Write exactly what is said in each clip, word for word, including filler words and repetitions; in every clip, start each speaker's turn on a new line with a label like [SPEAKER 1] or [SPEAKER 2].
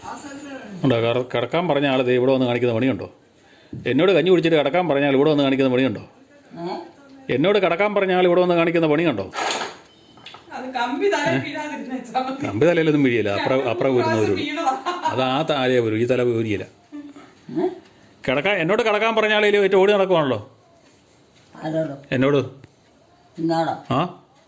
[SPEAKER 1] ഉണ്ടോ? കിടക്കാൻ പറഞ്ഞ ആൾ ദേ ഇവിടെ വന്ന് കാണിക്കുന്ന പണിയുണ്ടോ? എന്നോട് കഞ്ഞി കുടിച്ചിട്ട് കിടക്കാൻ പറഞ്ഞാൽ ഇവിടെ വന്ന് കാണിക്കുന്ന പണിയുണ്ടോ? എന്നോട് കിടക്കാൻ പറഞ്ഞ ആൾ ഇവിടെ വന്ന് കാണിക്കുന്ന പണിയുണ്ടോ? കമ്പി തലയിലൊന്നും വീഴിയില്ല. അപ്പുറം അപ്പുറം ഊരുന്നവരുള്ളൂ. അത് ആ താലേ വരും, ഈ തല ഊരിയില്ല. കിടക്കാൻ എന്നോട് കിടക്കാൻ പറഞ്ഞ ആളേൽ ഏറ്റവും ഓടി നടക്കുവാണല്ലോ എന്നോട്. ആ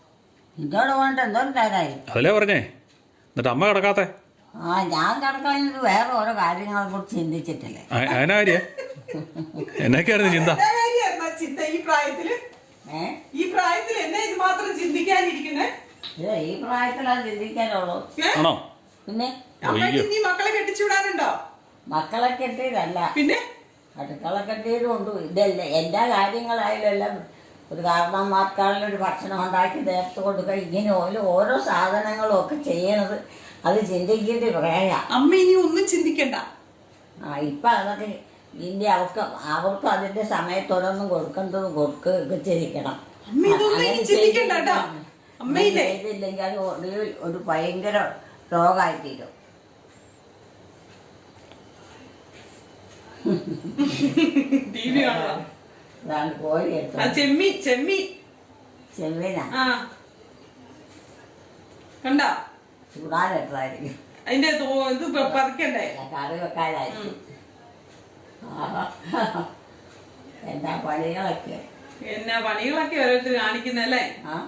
[SPEAKER 1] അതല്ലേ പറഞ്ഞേ. എന്നിട്ട് അമ്മ കിടക്കാത്തെ?
[SPEAKER 2] ആ ഞാൻ കിടക്കുന്നത് വേറെ ഓരോ കാര്യങ്ങളെ കുറിച്ച് ചിന്തിച്ചിട്ടില്ലേ.
[SPEAKER 1] അതിനാ കാര്യ എന്നൊക്കെയായിരുന്നു ചിന്ത?
[SPEAKER 3] ചിന്ത ഈ പ്രായത്തില് ഈ പ്രായത്തിൽ എന്നെ ഇത് മാത്രം ചിന്തിക്കാനിരിക്കുന്നേ?
[SPEAKER 2] ഈ പ്രായത്തിലാണ് ചിന്തിക്കാനുള്ളൂ.
[SPEAKER 1] ആണോ?
[SPEAKER 2] പിന്നെ
[SPEAKER 3] ഇനി മക്കളെ കെട്ടിച്ചുവിടാനുണ്ടോ?
[SPEAKER 2] മക്കളെ കെട്ടിയതല്ല,
[SPEAKER 3] പിന്നെ
[SPEAKER 2] അടുക്കള കെട്ടിയതും ഉണ്ട്. ഇതല്ല എല്ലാ കാര്യങ്ങളായാലും എല്ലാം ഒരു കാരണന്മാർക്കാണെങ്കിലും ഒരു ഭക്ഷണം ഉണ്ടാക്കി നേരത്തെ കൊടുക്കുക. ഇങ്ങനെ ഓരോ ഓരോ സാധനങ്ങളും ഒക്കെ ചെയ്യണത് അത് ചിന്തിക്കേണ്ടി പറയാ.
[SPEAKER 3] അമ്മ ഇനി ഒന്നും ചിന്തിക്കണ്ട. ആ
[SPEAKER 2] ഇപ്പൊ അതൊക്കെ ഇനി അവർക്ക് അവർക്ക് അതിന്റെ സമയത്തോടൊന്നും കൊടുക്കേണ്ടതും കൊടുക്കുകയൊക്കെ ചെയ്യിക്കണം. ചെയ്തില്ലെങ്കിൽ അത് ഒരു ഭയങ്കര രോഗമായി തീരും. അതാണ് കോഴി എടുത്തത്.
[SPEAKER 3] ചെമ്മീ ചെമ്മീ
[SPEAKER 2] ചെമ്മീനാ
[SPEAKER 3] കണ്ടോ?
[SPEAKER 2] ചൂടാനെടുത്തായിരിക്കും.
[SPEAKER 3] അതിന്റെ ഇത് പറിക്കണ്ടേ?
[SPEAKER 2] കറി വെക്കാനായിരിക്കും. എന്നാ പണികളൊക്കെ
[SPEAKER 3] എന്നാ പണികളൊക്കെ ഓരോരുത്തർ കാണിക്കുന്നല്ലേ.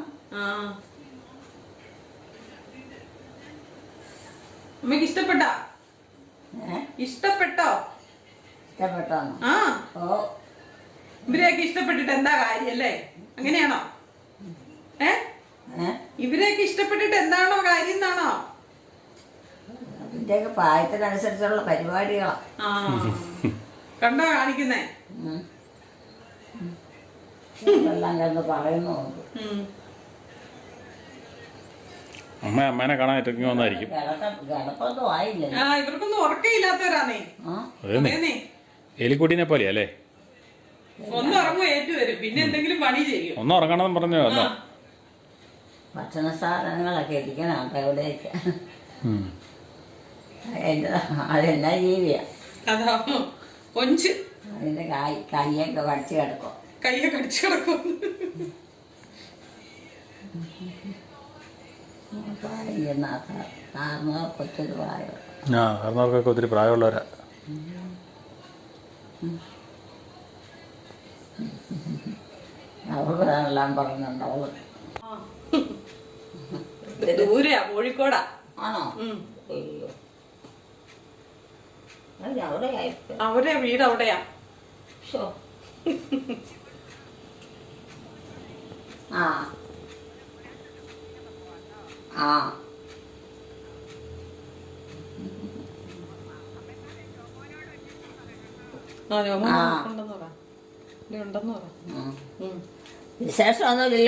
[SPEAKER 3] അമ്മക്ക് ഇഷ്ടപ്പെട്ടോ? ഇഷ്ടപ്പെട്ടോ?
[SPEAKER 2] ഇഷ്ടപ്പെട്ടോ?
[SPEAKER 3] ആ
[SPEAKER 2] ഓ
[SPEAKER 3] ഇവരെയൊക്കെ ഇഷ്ടപ്പെട്ടിട്ട് എന്താ കാര്യല്ലേ? അങ്ങനെയാണോ? ഏ ഇവരെയൊക്കെ ഇഷ്ടപ്പെട്ടിട്ട് എന്താണോ കാര്യം എന്നാണോ?
[SPEAKER 2] അതിന്റെയൊക്കെ പ്രായത്തിനനുസരിച്ചുള്ള പരിപാടികളാ.
[SPEAKER 3] ആ കണ്ടോ കാണിക്കുന്നേ?
[SPEAKER 2] എല്ലാം കണ്ട് പറയുന്നുണ്ട്.
[SPEAKER 1] അമ്മ അമ്മേനെ കാണാൻ ഇറങ്ങി വന്നായിരിക്കും.
[SPEAKER 2] കിടപ്പൊന്നും ആയില്ലേ?
[SPEAKER 3] ആ ഇവർക്കൊന്നും ഉറക്കയില്ലാത്തവരാന്നേ.
[SPEAKER 1] എലിക്കുട്ടീനെ പോലെയാ അല്ലേ?
[SPEAKER 3] ഒന്ന് ഉറങ്ങും ഏറ്റു വരും, പിന്നെ എന്തെങ്കിലും പണി ചെയ്യും.
[SPEAKER 1] ഒന്ന് ഉറങ്ങണമെന്ന് പറഞ്ഞു.
[SPEAKER 2] ഭക്ഷണ സാധനങ്ങളൊക്കെ ഇരിക്കണം എവിടെയൊക്കെ. അതെന്നാ ജീവിയാ?
[SPEAKER 3] അതാ കൊഞ്ച്
[SPEAKER 2] അതിന്റെ കൈ കൈയൊക്കെ കടിച്ചു കിടക്കും.
[SPEAKER 3] കൈയൊക്കെ കടിച്ചു കിടക്കും.
[SPEAKER 2] കൊച്ചൊരു പ്രായം.
[SPEAKER 1] ആ കാരണവർക്കൊക്കെ ഒത്തിരി പ്രായമുള്ളവരാ.
[SPEAKER 2] അവളെല്ലാം പറഞ്ഞുണ്ട്. അവള്
[SPEAKER 3] ദൂരെയാ, കോഴിക്കോടാ.
[SPEAKER 2] ആണോ?
[SPEAKER 3] അവരെ വീട് അവിടെയാ.
[SPEAKER 2] ആ ആ വിശേഷമൊന്നുമില്ല.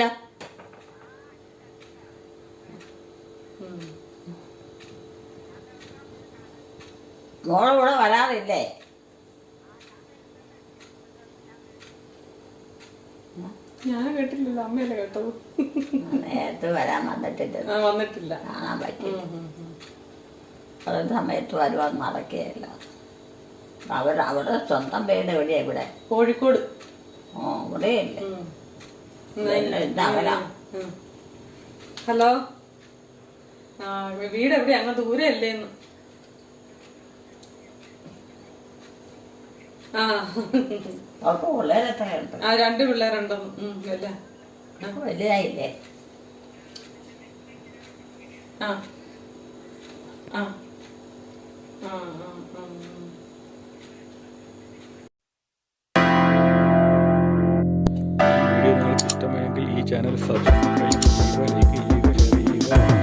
[SPEAKER 2] മോളിവിടെ വരാറില്ലേ?
[SPEAKER 3] ഞാൻ കേട്ടില്ലല്ലോ, അമ്മയല്ലേ കേട്ടത്.
[SPEAKER 2] നേരത്തെ വരാൻ വന്നിട്ടില്ല.
[SPEAKER 3] വന്നിട്ടില്ല,
[SPEAKER 2] കാണാൻ പറ്റില്ല. അതേ സമയത്ത് വരുവാൻ നടക്കുകയല്ല. അവിടെ അവിടെ സ്വന്തം വീട് എവിടെയാ? ഇവിടെ
[SPEAKER 3] കോഴിക്കോട്.
[SPEAKER 2] ഓ ഇവിടെയല്ലേ?
[SPEAKER 3] ഹലോ, ആ വീട് എവിടെയാ? അങ്ങ് ദൂരെ അല്ലേന്ന്. ആ
[SPEAKER 2] പിള്ളേരൊക്കെ
[SPEAKER 3] ആ രണ്ട് പിള്ളേരുണ്ടോ?
[SPEAKER 2] വലുതായില്ലേ?
[SPEAKER 3] ആ ആ
[SPEAKER 1] വീഡിയോ നിങ്ങൾക്ക് ഇഷ്ടമായെങ്കിൽ ഈ ചാനൽ സബ്സ്ക്രൈബ് ചെയ്യുക, ലൈക്ക് ചെയ്യുക, ഷെയർ ചെയ്യുക.